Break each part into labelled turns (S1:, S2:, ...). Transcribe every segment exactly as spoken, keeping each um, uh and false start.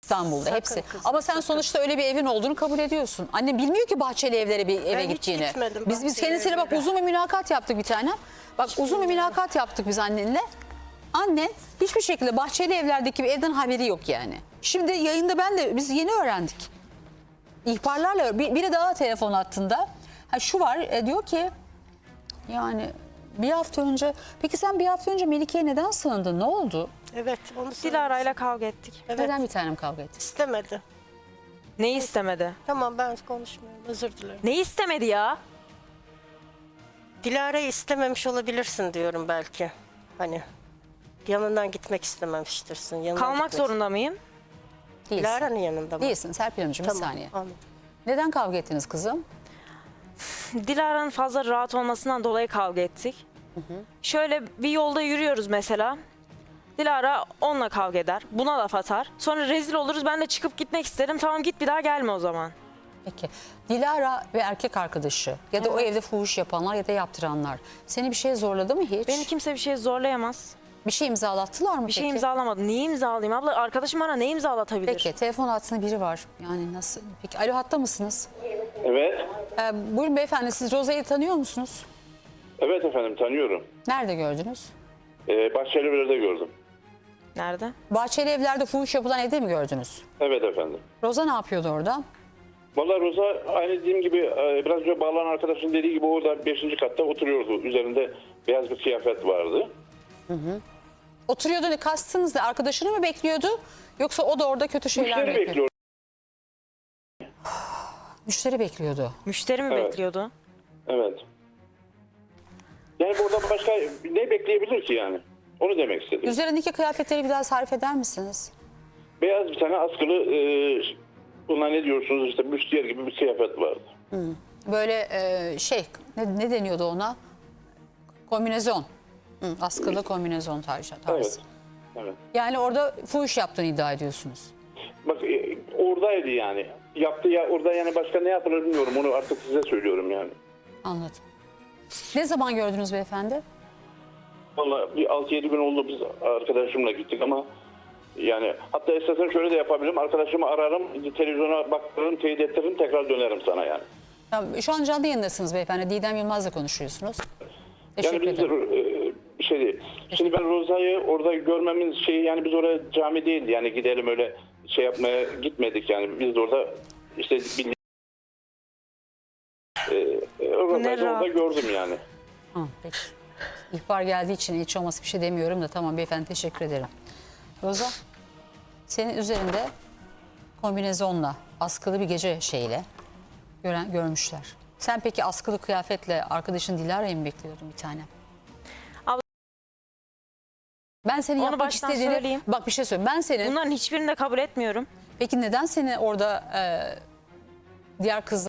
S1: İstanbul'da
S2: Sakın
S1: hepsi.
S2: kızım,
S1: Ama sen
S2: sakın.
S1: sonuçta öyle bir evin olduğunu kabul ediyorsun. Anne bilmiyor ki Bahçeli Evlere bir eve
S2: Ben hiç
S1: gittiğini.
S2: gitmedim
S1: Biz biz
S2: Bahçeli
S1: kendisiyle bak
S2: Evlere.
S1: uzun bir mülakat yaptık bir tane. Bak uzun bir mülakat yaptık biz annenle. Annen hiçbir şekilde Bahçeli Evler'deki bir evden haberi yok yani. Şimdi yayında ben de biz yeni öğrendik. İhbarlarla bir, biri daha telefon hattında. Ha şu var e, diyor ki yani bir hafta önce peki sen bir hafta önce Melike'ye neden sığındın? Ne oldu?
S2: Evet, onu
S3: Dilara'yla kavga ettik.
S2: Evet,
S1: Neden bir tanem kavga ettiniz?
S2: istemedi.
S3: Neyi istemedi?
S2: Tamam, ben konuşmuyorum, özür dilerim.
S3: Neyi istemedi ya?
S2: Dilara'yı istememiş olabilirsin diyorum belki. Hani yanından gitmek istememiştirsin. Yanına
S3: Kalmak
S2: gitmek-
S3: zorunda mıyım?
S1: Değilsin.
S2: Dilara'nın yanında mı?
S1: Değilsin Serpil Hanımcığım
S2: Tamam,
S1: bir saniye.
S2: anladım.
S1: Neden kavga ettiniz kızım?
S3: Dilara'nın fazla rahat olmasından dolayı kavga ettik. Şöyle bir yolda yürüyoruz mesela. Dilara onunla kavga eder. Buna laf atar. Sonra rezil oluruz. Ben de çıkıp gitmek isterim. Tamam git bir daha gelme o zaman.
S1: Peki Dilara ve erkek arkadaşı ya da o evde fuhuş yapanlar ya da yaptıranlar seni bir şeye zorladı mı hiç?
S3: Beni kimse bir şey zorlayamaz.
S1: Bir şey imzalattılar mı
S3: Bir
S1: peki?
S3: şey imzalamadı. Niye imzalayayım abla? Arkadaşım bana ne imzalatabilir?
S1: Peki telefon hattında biri var. Yani nasıl? Peki alo hatta mısınız?
S4: Evet.
S1: Ee, buyurun beyefendi siz Roza'yı tanıyor musunuz?
S4: Evet efendim, tanıyorum.
S1: Nerede gördünüz?
S4: Ee, Bahçelievler'de gördüm.
S3: Nerede?
S1: Bahçeli Evler'de fuhuş yapılan evde mi gördünüz?
S4: Evet efendim.
S1: Roza ne yapıyordu orada?
S4: Vallahi Roza aynı dediğim gibi e, biraz önce bağlanan arkadaşın dediği gibi orada beşinci katta oturuyordu. Üzerinde beyaz bir kıyafet vardı.
S1: Oturuyordu ne kastınız ne? Arkadaşını mı bekliyordu? Yoksa o da orada kötü şeyler mi
S4: Müşteri
S1: bekliyor?
S4: bekliyor.
S1: Müşteri bekliyordu.
S3: Müşteri mi
S4: Evet.
S3: bekliyordu?
S4: Evet. Yani burada başka ne bekleyebilir ki yani? Onu demek istedim.
S1: Üzerindeki kıyafetleri bir daha tarif eder misiniz?
S4: Beyaz bir tane askılı e, buna ne diyorsunuz işte büstiyer gibi bir kıyafet vardı.
S1: Böyle e, şey ne, ne deniyordu ona? Kombinezon. Hı, askılı kombinezon tarzı.
S4: Evet. Evet.
S1: Yani orada fuhuş yaptığını iddia ediyorsunuz.
S4: Bak e, oradaydı yani. Yaptı ya orada yani başka ne yapılır bilmiyorum. Onu artık size söylüyorum yani.
S1: Anladım. Ne zaman gördünüz beyefendi?
S4: Vallahi bir altı yedi gün oldu biz arkadaşımla gittik ama yani hatta esasen şöyle de yapabilirim. Arkadaşımı ararım, televizyona baktırırım, teyit ettiririm, tekrar dönerim sana yani.
S1: Ya, şu an canlı yayındasınız beyefendi. Didem Yılmaz'la konuşuyorsunuz. Teşekkür
S4: Yani biz
S1: ederim.
S4: e, bir şey değil. Şimdi ben Roza'yı orada görmemiz şeyi yani biz oraya cami değildi yani gidelim öyle şey yapmaya gitmedik yani. Biz de orada işte bildiğin e, e, Roza'yı da orada
S3: rahat.
S4: gördüm yani.
S1: Ha, peki. İhbar geldiği için hiç olması bir şey demiyorum da tamam beyefendi teşekkür ederim. Roza senin üzerinde kombinezonla askılı bir gece şeyle gören, görmüşler. Sen peki askılı kıyafetle arkadaşın Dilara'yı mı bekliyordun bir tane?
S3: Abla-
S1: Ben senin
S3: Onu
S1: yapmak
S3: baştan
S1: istediğini...
S3: söyleyeyim.
S1: Bak bir şey söyleyeyim. Ben senin...
S3: Bunların hiçbirini de kabul etmiyorum.
S1: Peki neden seni orada e, diğer kızlar...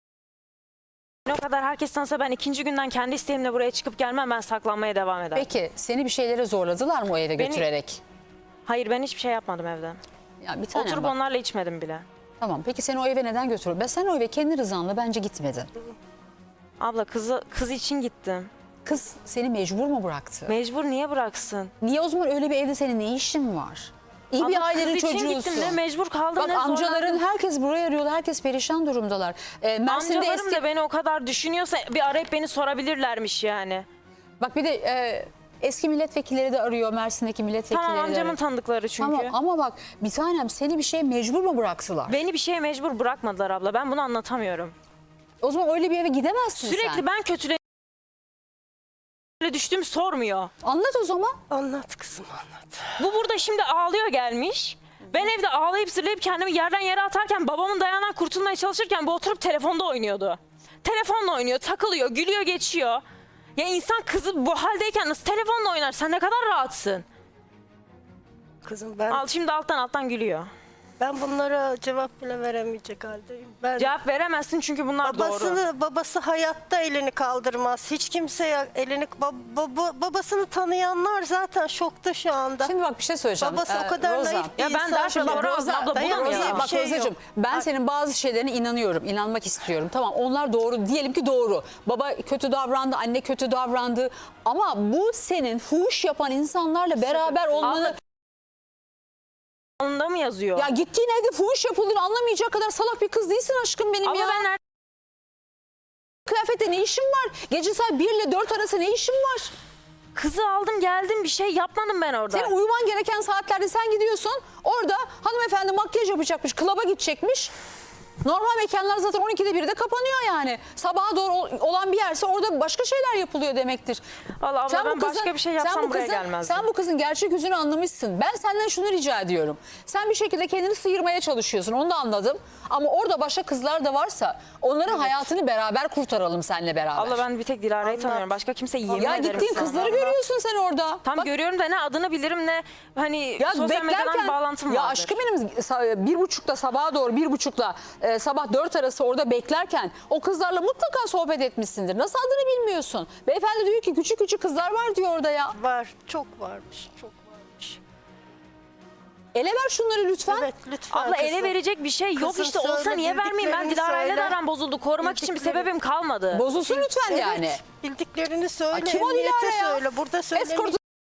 S3: Ne kadar herkes tanısa ben ikinci günden kendi isteğimle buraya çıkıp gelmem, ben saklanmaya devam ederim.
S1: Peki seni bir şeylere zorladılar mı o eve
S3: Beni-
S1: götürerek?
S3: Hayır, ben hiçbir şey yapmadım evde.
S1: Ya bir tane
S3: Oturup
S1: bak.
S3: onlarla içmedim bile.
S1: Tamam peki seni o eve neden götürdün? Ben sen o eve kendi rızanla bence gitmedin.
S3: Abla kızı kız için gittim.
S1: Kız seni mecbur mu bıraktı?
S3: Mecbur niye bıraksın?
S1: Niye o zaman öyle bir evde senin ne işin var? İyi
S3: Abla,
S1: bir ailenin
S3: kız için
S1: çocuğusun.
S3: gittim, ne mecbur kaldım
S1: Bak
S3: ne
S1: amcaların
S3: zorlandım.
S1: herkes buraya arıyorlar. Herkes perişan durumdalar. Ee, Mersin'de
S3: Amcalarım
S1: eski...
S3: da beni o kadar düşünüyorsa bir arayıp beni sorabilirlermiş yani.
S1: Bak bir de e, eski milletvekilleri de arıyor. Mersin'deki milletvekilleri
S3: Tamam,
S1: de
S3: amcamın
S1: arıyor.
S3: tanıdıkları çünkü.
S1: Tamam ama bak bir tanem seni bir şeye mecbur mu bıraktılar?
S3: Beni bir şeye mecbur bırakmadılar abla. Ben bunu anlatamıyorum.
S1: O zaman öyle bir eve gidemezsin
S3: Sürekli
S1: sen.
S3: ben kötüle düştüğümü sormuyor.
S1: Anlat o zaman.
S2: Anlat kızım, anlat.
S3: Bu burada şimdi ağlıyor gelmiş. Ben evde ağlayıp zırlayıp kendimi yerden yere atarken, babamın dayağından kurtulmaya çalışırken bu oturup telefonda oynuyordu. Telefonla oynuyor, takılıyor, gülüyor, geçiyor. Ya insan kızı bu haldeyken nasıl telefonla oynar? Sen ne kadar rahatsın.
S2: Kızım ben
S3: Al şimdi alttan alttan gülüyor.
S2: ben bunlara cevap bile veremeyecek haldeyim. Ben
S3: Cevap veremezsin çünkü bunlar doğru.
S2: babasını babası hayatta elini kaldırmaz. Hiç kimseye elini ba- baba- babasını tanıyanlar zaten şokta şu anda.
S1: Şimdi bak bir şey söyleyeceğim.
S2: Babası
S1: Ee,
S2: o kadar
S1: Roza.
S2: naif bir
S3: Ya ben
S2: insan.
S3: daha
S1: Şimdi bak
S3: Doğru
S1: Roza,
S3: abla, bu da
S1: dayan
S3: mı
S1: Roza,
S3: ya?
S1: bak
S2: Bir şey yok.
S1: Rozacığım ben senin bazı şeylerine inanıyorum, inanmak istiyorum. Tamam onlar doğru, diyelim ki doğru. Baba kötü davrandı, anne kötü davrandı. Ama bu senin fuhuş yapan insanlarla beraber olmanı...
S3: Alnında mı yazıyor?
S1: Ya gittiğin evde fuhuş yapıldığını anlamayacak kadar salak bir kız değilsin aşkım benim
S3: Abla
S1: ya.
S3: ben nerede?
S1: Kıyafette ne işin var? Gece saat bir ile dört arası ne işin var?
S3: Kızı aldım geldim, bir şey yapmadım ben orada.
S1: Senin uyuman gereken saatlerde sen gidiyorsun. Orada hanımefendi makyaj yapacakmış, klaba gidecekmiş. Normal mekanlar zaten on ikide birde kapanıyor yani. Sabaha doğru ol- olan bir yerse orada başka şeyler yapılıyor demektir.
S3: Vallahi abla ben başka bir şey yapsam
S1: sen bu
S3: buraya
S1: kızın-
S3: gelmezdim.
S1: Sen bu kızın gerçek yüzünü anlamışsın. Ben senden şunu rica ediyorum. Sen bir şekilde kendini sıyırmaya çalışıyorsun, onu da anladım. Ama orada başka kızlar da varsa onların hayatını beraber kurtaralım seninle beraber.
S3: Abla ben bir tek Dilara'yı
S2: Allah.
S3: tanıyorum. Başka kimse yemin
S1: ya
S3: ederim
S1: gittiğin
S3: sana.
S1: kızları görüyorsun sen orada.
S3: Tam
S1: Bak,
S3: görüyorum da ne adını bilirim ne hani
S1: ya
S3: sosyal medyadan
S1: beklerken,
S3: bağlantım
S1: ya
S3: vardır.
S1: aşkım benim sa- bir buçukta sabaha doğru bir buçukla e, sabah dört arası orada beklerken o kızlarla mutlaka sohbet etmişsindir. Nasıl adını bilmiyorsun? Beyefendi diyor ki küçük küçük kızlar var diyor orada ya.
S2: Var, çok varmış, çok varmış.
S1: Ele ver şunları lütfen.
S2: Evet, lütfen
S3: Abla ele
S2: kızım.
S3: verecek bir şey yok
S2: Kızım
S3: işte olsa
S2: söyle,
S3: niye vermeyeyim ben
S2: bildiklerini
S3: Dilara'yla da
S2: söyle.
S3: aram bozuldu. Korumak için bir
S2: Bildiklerini-
S3: sebebim kalmadı.
S1: Bozulsun lütfen
S2: Evet,
S1: yani.
S2: bildiklerini söyle,
S1: Aa, kim o
S2: emniyete
S1: Dilara ya?
S2: söyle. Burada söyle.
S1: Escort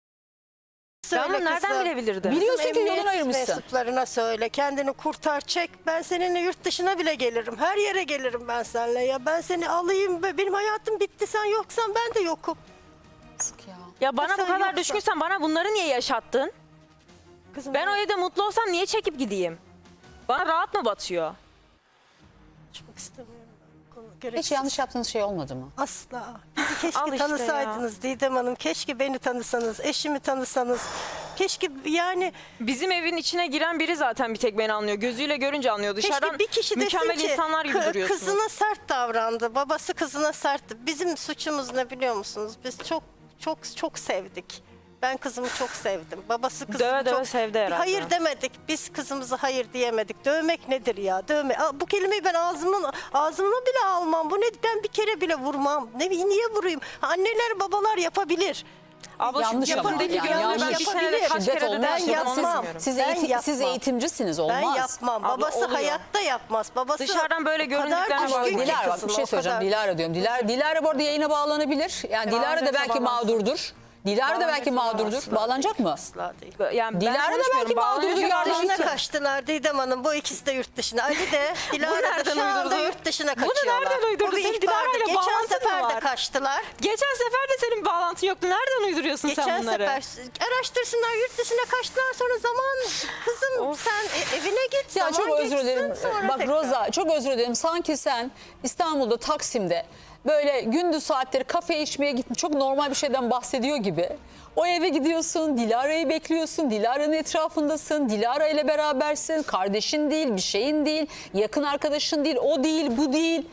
S3: Ben bunu nereden bilebilirdim?
S1: Biliyorsun ki
S2: Emniyet
S1: yolunu ayırmışsın.
S2: mensuplarına söyle. Kendini kurtar, çek. Ben seninle yurt dışına bile gelirim. Her yere gelirim ben seninle ya. Ben seni alayım. ve Benim hayatım bitti. Sen yoksan ben de yokum.
S1: Ya.
S3: Ya bana bu
S2: Sen
S3: kadar
S2: yoksa-
S3: düşkünsen bana bunları niye yaşattın?
S2: Kızım
S3: Ben o evde mutlu olsam niye çekip gideyim? Bana rahat mı batıyor?
S2: konuşmak istemiyorum. ben. Konu-
S1: Hiç
S2: gereksiz.
S1: yanlış yaptığınız şey olmadı mı?
S2: Asla. Bizi keşke
S3: Al işte
S2: tanısaydınız Didem Hanım. Keşke beni tanısanız, eşimi tanısanız. Keşke yani
S3: Bizim evin içine giren biri zaten bir tek beni anlıyor. Gözüyle görünce anlıyor. Dışarıdan
S2: keşke bir kişi desin
S3: mükemmel
S2: ki
S3: insanlar gibi
S2: kı-
S3: duruyorsunuz.
S2: kızına sert davrandı. Babası kızına sertti. Bizim suçumuz ne biliyor musunuz? Biz çok çok çok sevdik. Ben kızımı çok sevdim. Babası kızını
S3: Döve döve
S2: çok
S3: sevdi herhalde.
S2: Hayır demedik. Biz kızımıza hayır diyemedik. Dövmek nedir ya? Dövme. Aa, bu kelimeyi ben ağzımın ağzımla bile almam. Bu ne? Ben bir kere bile vurmam. Ne niye vurayım? Anneler babalar yapabilir.
S3: Abla
S1: Yanlış
S3: şu
S1: ama
S3: yapımdaki
S1: yani
S3: gözle
S1: yanlış.
S3: ben bir senede
S2: Yapabilir.
S3: kaç
S1: Şiddet
S3: kere de
S1: olmaz.
S3: yaşadım
S2: Ben
S3: onu
S2: yapmam.
S3: bilmiyorum.
S1: Siz,
S2: Ben
S1: eğitim- siz
S2: yapmam.
S1: eğitimcisiniz olmaz.
S2: Ben yapmam.
S3: Abla
S2: Babası
S3: oluyor.
S2: hayatta yapmaz. Babası
S3: Dışarıdan böyle
S2: o kadar
S3: göründüklerine
S2: düşkün
S3: bakma.
S2: ki
S1: Dilara bak
S2: kızına,
S1: bir şey
S2: o
S1: söyleyeceğim.
S2: kadar.
S1: Dilara diyorum. Dilara, Dilara bu arada yayına bağlanabilir. Yani Dilara da
S3: Bağlanacaksa
S1: belki
S3: bağlansın.
S1: mağdurdur. Dilara da belki mağdurdur.
S2: Asla
S1: Bağlanacak mı?
S2: Asla değil.
S3: Yani ben
S1: Dilara da
S3: konuşmuyorum,
S1: belki
S3: bağlanıyor.
S1: mağdurdur
S2: Yurt
S1: yardım
S2: dışına
S1: için.
S2: kaçtılar Didem Hanım. Bu ikisi de yurt dışına. Ali de Dilara da
S3: nereden
S2: şu anda
S3: uydurdun?
S2: yurt dışına
S3: Bunu
S2: kaçıyorlar.
S3: nereden uydurdun?
S2: Bu bir
S3: Senin
S2: ihbardı.
S3: Dilara'yla
S2: Geçen
S3: bağlantın mı
S2: sefer de
S3: var?
S2: kaçtılar.
S3: Geçen sefer de senin bağlantın yoktu. Nereden uyduruyorsun
S2: Geçen
S3: sen bunları?
S2: sefer araştırsınlar yurt dışına kaçtılar sonra zaman kızım sen e- evine git
S1: Ya
S2: zaman
S1: çok özür
S2: geçsin,
S1: dilerim.
S2: sonra
S1: Bak
S2: tekrar.
S1: Roza çok özür dilerim. Sanki sen İstanbul'da Taksim'de böyle gündüz saatleri kafe içmeye gittin. Çok normal bir şeyden bahsediyor gibi. O eve gidiyorsun, Dilara'yı bekliyorsun, Dilara'nın etrafındasın, Dilara ile berabersin. Kardeşin değil, bir şeyin değil, yakın arkadaşın değil, o değil, bu değil.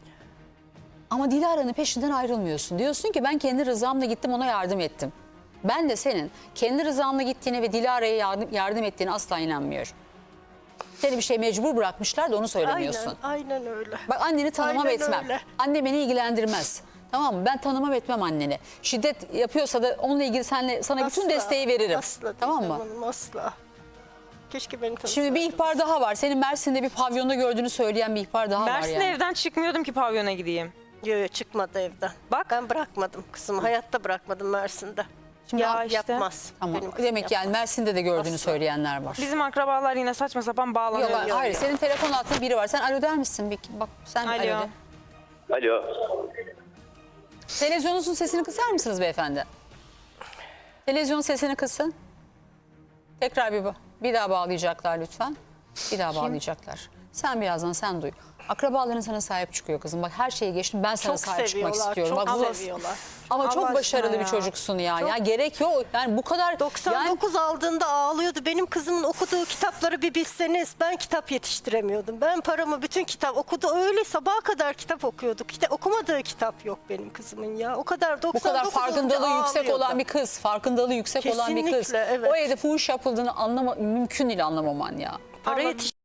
S1: Ama Dilara'nın peşinden ayrılmıyorsun. Diyorsun ki ben kendi rızamla gittim ona yardım ettim. Ben de senin kendi rızanla gittiğine ve Dilara'ya yardım, yardım ettiğine asla inanmıyorum. Seni bir şey mecbur bırakmışlar da onu söylemiyorsun.
S2: Aynen, aynen öyle.
S1: Bak anneni tanımam
S2: Aynen
S1: etmem.
S2: öyle.
S1: Anne beni ilgilendirmez. Tamam mı? Ben tanımam etmem anneni. Şiddet yapıyorsa da onunla ilgili senle, sana bütün
S2: Asla,
S1: desteği veririm.
S2: Asla
S1: Tamam
S2: Didem
S1: mı?
S2: Hanım, asla. Keşke beni tanısaydınız.
S1: Şimdi bir ihbar daha var. Senin Mersin'de bir pavyonda gördüğünü söyleyen bir ihbar daha var
S3: Mersin'de
S1: yani.
S3: evden çıkmıyordum ki pavyona gideyim.
S2: Yok yok çıkmadı evden.
S3: Bak.
S2: Ben bırakmadım kızımı. Hayatta bırakmadım Mersin'de.
S1: Şimdi
S3: Ya
S1: ya,
S3: işte.
S2: Yapmaz.
S1: tamam.
S2: Benim kızım
S1: Demek ki yani
S2: yapmaz.
S1: Mersin'de de gördüğünü
S2: Asla.
S1: söyleyenler var.
S3: Bizim akrabalar yine saçma sapan bağlanıyor.
S1: Yok, hayır. Senin telefon altında biri var. Sen alo der misin? Bir, bak sen
S3: Alo.
S1: alo de.
S4: Alo.
S1: Televizyonunuzun sesini kısar mısınız beyefendi? Televizyon sesini kısın. Tekrar bir, bir daha bağlayacaklar lütfen. Bir daha bağlayacaklar. Sen birazdan sen duy. Akrabaların sana sahip çıkıyor kızım. Bak her şeyi geçtim. Ben sana
S2: Çok
S1: sahip çıkmak
S2: seviyorlar.
S1: istiyorum.
S2: Çok
S1: Bak, bu-
S2: seviyorlar.
S1: Ama
S3: Allah
S1: çok
S3: aşkına
S1: başarılı
S3: ya.
S1: bir çocuksun ya. Ya gerek yok. Yani bu kadar
S2: doksan
S1: yani
S2: dokuz aldığında ağlıyordu. Benim kızımın okuduğu kitapları bir bilseniz. Ben kitap yetiştiremiyordum. Ben paramı bütün kitap okudu. Öyle sabaha kadar kitap okuyorduk. İşte okumadığı kitap yok benim kızımın ya. O kadar doksan
S1: bu kadar
S2: dokuz
S1: farkındalığı
S2: olunca
S1: yüksek
S2: ağlıyordu.
S1: olan bir kız, farkındalığı yüksek olan bir kız.
S2: Kesinlikle, evet.
S1: O evde fuhuş yapıldığını anlama mümkün değil anlamaman ya.
S3: Para
S2: Ama-
S3: yetiş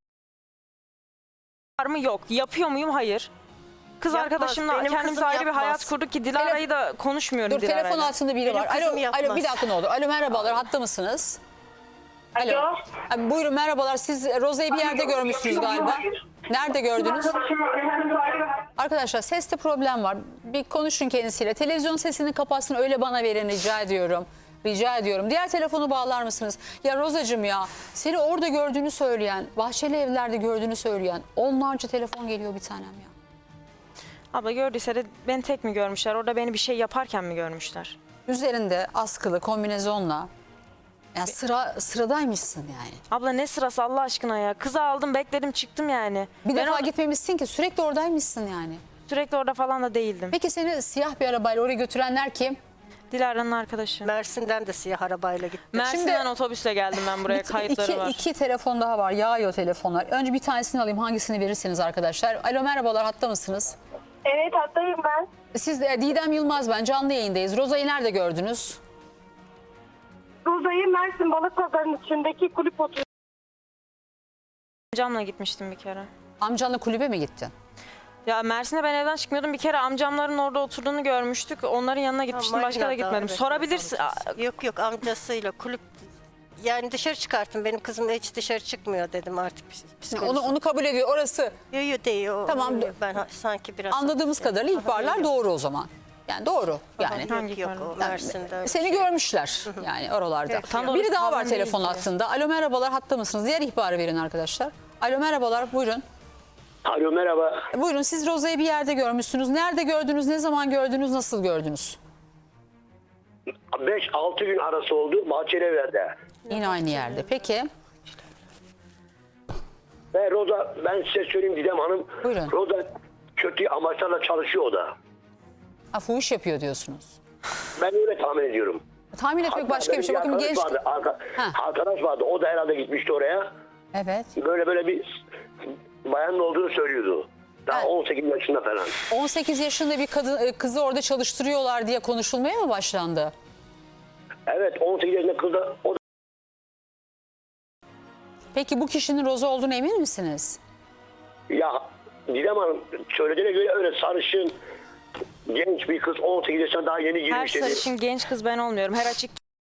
S3: var mı? Yok. Yapıyor muyum? Hayır. Kız
S2: Yapmaz.
S3: arkadaşımla
S2: Benim
S3: kendimize
S2: kızım
S3: ayrı bir
S2: yapmaz.
S3: hayat kurduk ki Dilara'yı da konuşmuyorum
S1: Dur
S3: Dilara'yla.
S1: telefon altında biri
S2: Benim
S1: var.
S2: kızım
S1: Alo,
S2: yapmaz.
S1: alo bir dakika ne olur. Alo merhabalar hatta mısınız? Alo.
S5: Alo.
S1: Abi, buyurun merhabalar. Siz Roza'yı bir yerde görmüşsünüz galiba. Nerede gördünüz? Arkadaşlar seste problem var. Bir konuşun kendisiyle. Televizyon sesini kapatsın öyle bana verin rica ediyorum. Rica ediyorum. Diğer telefonu bağlar mısınız? Ya Rozacığım ya, seni orada gördüğünü söyleyen, Bahçeli Evler'de gördüğünü söyleyen onlarca telefon geliyor bir tanem ya.
S3: Abla gördüyse de beni tek mi görmüşler? Orada beni bir şey yaparken mi görmüşler?
S1: Üzerinde askılı kombinezonla, ya sıra sıradaymışsın yani.
S3: Abla ne sırası Allah aşkına ya? Kızı aldım bekledim çıktım yani.
S1: Bir
S3: Ben
S1: defa
S3: orada-
S1: gitmemişsin ki, sürekli oradaymışsın yani.
S3: Sürekli orada falan da değildim.
S1: Peki seni siyah bir arabayla oraya götürenler kim?
S3: Dilara'nın arkadaşı.
S2: Mersin'den de siyah arabayla gittim.
S3: Mersin'den
S1: Şimdi-
S3: otobüsle geldim ben buraya.
S1: İki-
S3: Kayıtları
S1: iki,
S3: var.
S1: iki telefon daha var. Yağıyor telefonlar. Önce bir tanesini alayım. Hangisini verirseniz arkadaşlar. Alo merhabalar, hatta mısınız?
S5: Evet hattayım ben.
S1: Siz de Didem Yılmaz ben. Canlı yayındayız. Roza'yı nerede gördünüz?
S5: Roza'yı Mersin Balıkpazarı'nın içindeki kulüp oturuyor.
S3: Amcamla gitmiştim bir kere.
S1: Amcanla kulübe mi gittin?
S3: Ya Mersin'de ben evden çıkmıyordum. Bir kere amcamların orada oturduğunu görmüştük. Onların yanına gitmiştim. Başka da
S2: Manga'da,
S3: gitmedim.
S2: evet,
S3: Sorabilirsin.
S2: amcası. Yok yok amcasıyla kulüp, yani dışarı çıkartın, benim kızım hiç dışarı çıkmıyor dedim artık.
S1: Onu onu kabul ediyor. Orası
S2: Yok yok değil o.
S1: Tamam.
S2: Ben ha- sanki biraz.
S1: anladığımız kadarıyla ihbarlar doğru o zaman. Yani doğru. Yani
S2: Yok yok o Mersin'de. öyle
S1: seni
S2: şey.
S1: görmüşler yani oralarda.
S2: Evet,
S3: tam
S1: Biri
S3: doğrusu
S1: daha var
S3: haberim
S1: telefon
S3: değildi.
S1: hattında. Alo merhabalar, hatta mısınız? Diğer ihbarı verin arkadaşlar. Alo merhabalar, buyurun.
S6: Alo merhaba.
S1: Buyurun, siz Roza'yı bir yerde görmüşsünüz. Nerede gördünüz, ne zaman gördünüz, nasıl gördünüz?
S6: beş altı gün arası oldu Bahçelievler'de.
S1: Yine aynı yerde. Peki.
S6: Ve Roza, ben size söyleyeyim Didem Hanım.
S1: Buyurun.
S6: Roza kötü amaçlarla çalışıyor o da.
S1: Ha, fuhuş yapıyor diyorsunuz.
S6: Ben öyle tahmin ediyorum.
S1: Tahmin etmek
S6: Hatta
S1: başka bir
S6: benim
S1: şey. Bakın
S6: arkadaş
S1: genç...
S6: vardı, arka-
S1: Ha.
S6: arkadaş vardı. O da herhalde gitmişti oraya.
S1: Evet.
S6: Böyle böyle bir bayanın olduğunu söylüyordu. Daha
S1: Evet.
S6: on sekiz yaşında falan.
S1: on sekiz yaşında bir kadın kızı orada çalıştırıyorlar diye konuşulmaya mı başlandı?
S6: Evet on sekiz yaşında kız da o da
S1: Peki bu kişinin Roza olduğunu emin misiniz?
S6: ya Didem Hanım söylediğine göre öyle sarışın genç bir kız on sekiz yaşında daha yeni
S3: Her
S6: girmiş dedi.
S3: sarışın genç kız ben olmuyorum. Her açık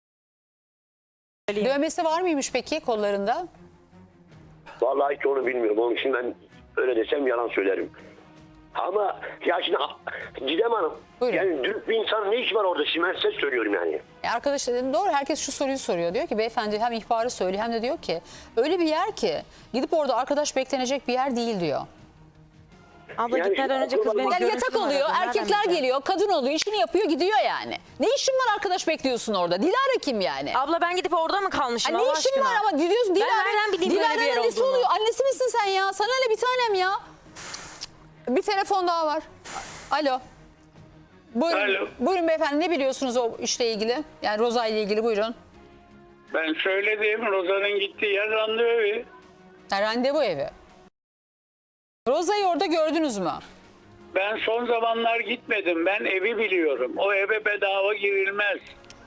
S1: Dövmesi var mıymış peki kollarında?
S6: Vallahi hiç onu bilmiyorum. Onun için ben öyle desem yalan söylerim. Ama ya şimdi Didem Hanım,
S1: Buyurun.
S6: yani dürüst bir insan ne işi var orada? Şimdi ben size söylüyorum yani.
S1: E arkadaş dedim, doğru, herkes şu soruyu soruyor. Diyor ki beyefendi hem ihbarı söylüyor hem de diyor ki öyle bir yer ki gidip orada arkadaş beklenecek bir yer değil diyor.
S3: abla
S6: Yani
S3: gitmeden
S6: şimdi
S3: önce kız
S6: aklıma-
S3: beni
S1: Yani
S3: görüntülü
S1: yatak
S3: aradı.
S1: oluyor,
S3: Nereden
S1: erkekler
S3: bileceğim?
S1: geliyor, kadın oluyor, işini yapıyor, gidiyor yani. Ne işin var arkadaş bekliyorsun orada? Dilara kim yani?
S3: Abla ben gidip orada mı kalmışım
S1: Ha,
S3: Allah
S1: ne işin
S3: aşkına?
S1: var ama diyorsun Dilara.
S3: nereden bileyim böyle bir yer
S1: Dilara'nın annesi
S3: olduğunu?
S1: oluyor. Annesi misin sen ya? Sana öyle bir tanem ya. Bir telefon daha var. Alo. Buyurun,
S7: Alo.
S1: buyurun beyefendi, ne biliyorsunuz o işle ilgili? Yani Roza ile ilgili, buyurun.
S7: Ben söyledim, Roza'nın gittiği yer randevu evi.
S1: Ha, randevu evi. Roza'yı orada gördünüz mü?
S7: Ben son zamanlar gitmedim. Ben evi biliyorum. O eve bedava girilmez.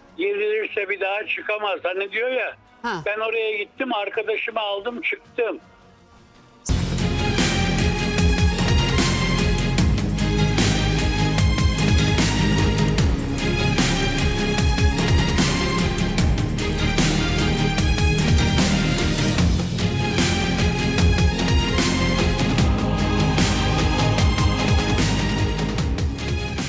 S7: Girilirse bir daha çıkamaz. Hani diyor ya.
S1: Ha.
S7: Ben oraya gittim, arkadaşımı aldım, çıktım.